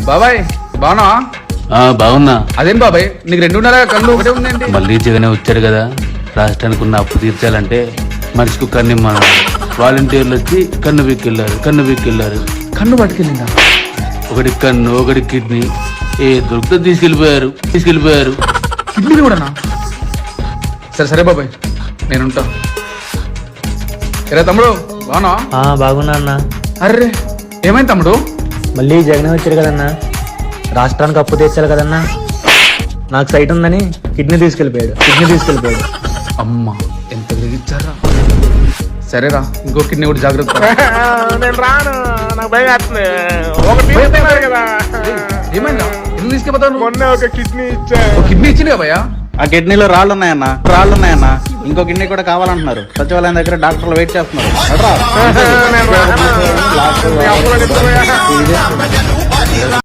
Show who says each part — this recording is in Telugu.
Speaker 1: బాబాయ్ బానా
Speaker 2: బాగున్నా.
Speaker 1: అదేం బాబాయ్ నీకు 2.5 కళ్ళు ఒకటే ఉందండి.
Speaker 2: మళ్ళీ జగనే వచ్చాడు కదా, రాష్ట్రానికి ఉన్న అప్పు తీర్చాలంటే మనిషికి కన్ను మన వాలంటీర్లు వచ్చి కన్ను పీక్కెళ్ళారు.
Speaker 1: కన్ను పట్టుకెళ్ళిందా?
Speaker 2: ఒకటి కన్ను, ఒకటి కిడ్నీ, ఏ దొరికితే తీసుకెళ్ళిపోయారు.
Speaker 1: కిడ్నీ కూడానా? సరే బాబాయ్ నేనుంటా. సరే తమ్ముడు బానా?
Speaker 3: బాగున్నా అన్న.
Speaker 1: అర్రే ఏమైంది తమ్ముడు?
Speaker 3: మళ్ళీ జగన్ వచ్చాడు కదన్నా, రాష్ట్రానికి అప్పు తీర్చాలి కదన్నా. నాకు సైట్ ఉందని కిడ్నీ తీసుకెళ్ళిపోయాడు.
Speaker 1: అమ్మ ఎంత వెలిగించారా. సరేరా ఇంకో కిడ్నీ కూడా జాగ్రత్త.
Speaker 4: నేను రాను, నాకు భయం వేస్తుంది.
Speaker 1: ఏమైందా? ఎందుకు తీసుకెళ్తాను?
Speaker 4: మొన్న ఒక కిడ్నీ ఇచ్చా.
Speaker 1: కిడ్నీ ఇచ్చింది కదా భయ్యా.
Speaker 5: ఆ కిడ్నీలో రాళ్ళు ఉన్నాయన్న. ఇంకో కిడ్నీ కూడా కావాలంటున్నారు. సచివాలయం దగ్గర డాక్టర్లు వెయిట్ చేస్తున్నారు.
Speaker 4: నేను రాను.